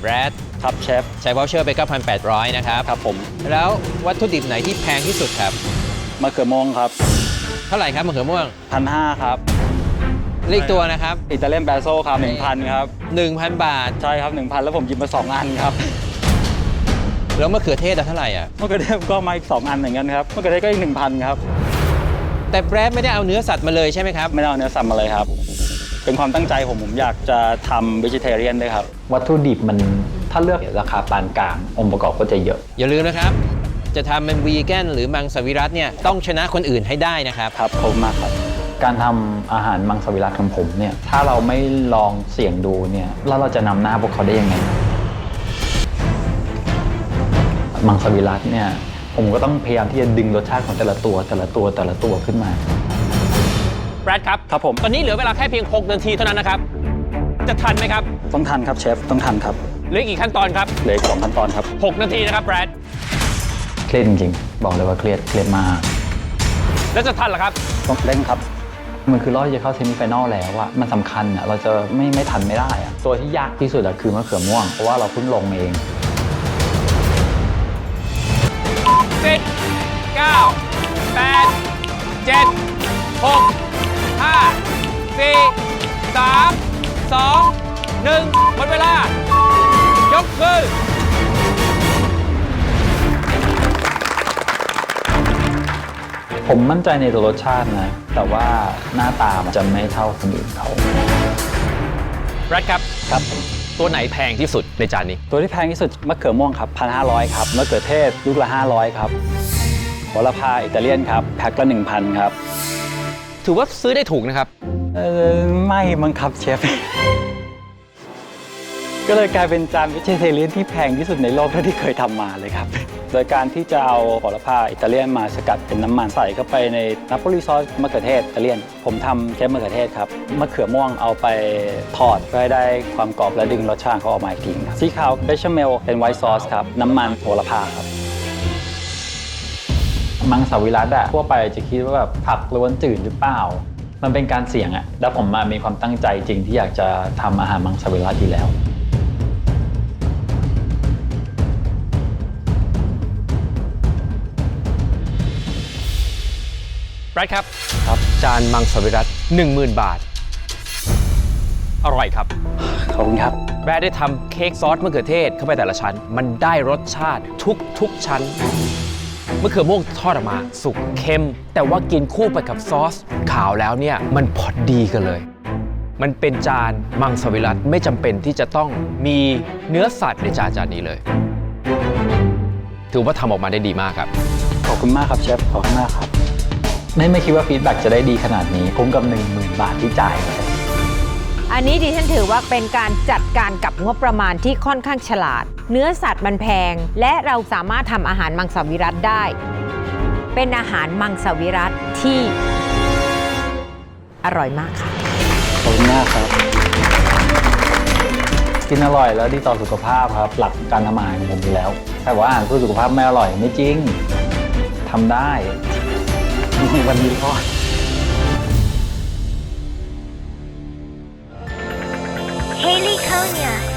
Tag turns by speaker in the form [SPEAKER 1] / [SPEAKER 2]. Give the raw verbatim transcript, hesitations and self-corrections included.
[SPEAKER 1] รด
[SPEAKER 2] ครับเชฟ
[SPEAKER 1] ใช้วอลเชอร์ไป เก้าพันแปดร้อย นะครับ
[SPEAKER 2] ครับผม
[SPEAKER 1] แล้ววัตถุดิบไหนที่แพงที่สุดครับ
[SPEAKER 2] มะเขือม่วงครับ
[SPEAKER 1] เท่าไหร่ครับมะเขือม่วง
[SPEAKER 2] พันห้าครับ
[SPEAKER 1] เลขตัวนะครับ
[SPEAKER 2] อิตาเลียนแบโซครับหนึ่งพันครับ
[SPEAKER 1] หนึ่งพัน บาท
[SPEAKER 2] ใช่ครับ หนึ่งพัน แล้วผมหยิบมาสองอันครับ
[SPEAKER 1] แล้วมะเขือเทศเท่าไหร่อ่ะ
[SPEAKER 2] มะเขือเทศก็มาอีกสองอันเหมือนกันครับมะเขือเทศก็อีก หนึ่งพัน ครับ
[SPEAKER 1] แต่แบรดไม่ได้เอาเนื้อสัตว์มาเลยใช่ไหมครับ
[SPEAKER 2] ไม่ได้เอาเนื้อสัตว์มาเลยครับเป็นความตั้งใจผมผมอยากจะทำ vegetarian ด้วยครับ
[SPEAKER 3] วัตถุดิบมันถ้าเลือกราคาปานกลางองค์ประกอบก็จะเยอะ
[SPEAKER 1] อย่าลืมนะครับจะทำเป็นวีแกนหรือมังสวิรัติเนี่ยต้องชนะคนอื่นให้ได้นะครับ
[SPEAKER 2] ครับขอบคุณมากครับ
[SPEAKER 3] การทำอาหารมังสวิรัติของผมเนี่ยถ้าเราไม่ลองเสี่ยงดูเนี่ยแล้วเราจะนำหน้าพวกเขาได้ยังไงมังสวิรัติเนี่ยผมก็ต้องพยายามที่จะดึงรสชาติของแต่ละตัวแต่ละตัวแต่ละตัวขึ้นมา
[SPEAKER 1] แบรดครับ
[SPEAKER 2] ครับผม
[SPEAKER 1] ตอนนี้เหลือเวลาแค่เพียงหกนาทีเท่านั้นนะครับจะทันไหมครับ
[SPEAKER 2] ต้องทันครับเชฟต้องทันครับ
[SPEAKER 1] เหลือกี่ขั้นตอนครับ
[SPEAKER 2] เหลืออีกสองขั้นตอนครับ
[SPEAKER 1] หกนาทีนะครับแบรด
[SPEAKER 3] เครียดจริงๆบอกเลยว่าเครียดเครียดมาก
[SPEAKER 1] แล้วจะทันเหรอครับ
[SPEAKER 2] ต้องเร่งครับ
[SPEAKER 3] มันคือรอบที่จะเข้าเซมิไฟแนลแล้วอะมันสำคัญอะเราจะไม่ไม่ทันไม่ได้อะตัวที่ยากที่สุดอะคือมะเขือม่วงเพราะว่าเราเพิ่งลงเอง
[SPEAKER 1] สิบ เก้า แปด เจ็ด หก ห้า สี่ สาม สอง หนึ่งหมดเวลายกมือ
[SPEAKER 3] ผมมั่นใจในตัวรสชาตินะแต่ว่าหน้าตามันจะไม่เท่าคนอื่นเขา
[SPEAKER 1] แบรดครับ
[SPEAKER 2] ครับ
[SPEAKER 1] ตัวไหนแพงที่สุดในจานนี้
[SPEAKER 2] ตัวที่แพงที่สุดมะเขือม่วงครับ หนึ่งพันห้าร้อย ครับมะเขือเทศลูกละห้าร้อยครับโหระพาอิตาเลียนครับแพ็คละ หนึ่งพัน ครับ
[SPEAKER 1] ถือว่าซื้อได้ถูกนะครับ
[SPEAKER 2] เออไม่มั้งครับเชฟก็เลยกลายเป็นจานวิเชเทเลียนที่แพงที่สุดในโลกเท่าที่เคยทำมาเลยครับโดยการที่จะเอาโหระพาอิตาเลียนมาสกัดเป็นน้ำมันใส่เข้าไปในนาโปลีซอสมะเขือเทศอิตาเลียนผมทำเชฟมะเขือเทศครับมะเขือม่วงเอาไปทอดเพื่อให้ได้ความกรอบและดึงรสชาติเขาออกมาอีกทีครับสีขาวเบชเมลเป็นไวท์ซอสครับน้ำมันโหระพาครับ
[SPEAKER 3] มังสวิรัติอะทั่วไปจะคิดว่าแบบผักล้วนจืดหรือเปล่ามันเป็นการเสี่ยงอะแล้วผมมามีความตั้งใจจริงที่อยากจะทำอาหารมังสวิรัติอยู่แล้ว
[SPEAKER 1] แบรดครับ
[SPEAKER 2] ครับ
[SPEAKER 1] จานมังสวิรัติ หนึ่งหมื่น บาทอร่อยครับ
[SPEAKER 2] ขอบคุณครับ
[SPEAKER 1] แบรดได้ทำเค้กซอสมะเขือเทศเข้าไปแต่ละชั้นมันได้รสชาติทุกทุกชั้นมะเขือม่วงทอดออกมาสุกเค็มแต่ว่ากินคู่ไปกับซอสขาวแล้วเนี่ยมันพอดีกันเลยมันเป็นจานมังสวิรัติไม่จำเป็นที่จะต้องมีเนื้อสัตว์ในจานจานนี้เลยถือว่าทำออกมาได้ดีมากครับ
[SPEAKER 2] ขอบคุณมากครับเชฟขอบคุณมากครับ
[SPEAKER 3] ไม่ไม่คิดว่าฟีดแบ็กจะได้ดีขนาดนี้คุ้มกับ หนึ่งหมื่น บาทที่จ่ายเลย
[SPEAKER 4] อันนี้ดิฉันถือว่าเป็นการจัดการกับงบประมาณที่ค่อนข้างฉลาดเนื้อสัตว์มันแพงและเราสามารถทำอาหารมังสวิรัติได้เป็นอาหารมังสวิรัติที่อร่อยมากค่ะ
[SPEAKER 2] ขอบคุณมากครับ
[SPEAKER 3] กินอร่อยแล้วดีต่อสุขภาพครับหลักการทำอาหารของผมอยู่แล้วแต่ว่าอาหารเพื่อสุขภาพไม่อร่อยไม่จริงทำได้วันนี้ก็
[SPEAKER 5] Haley Konya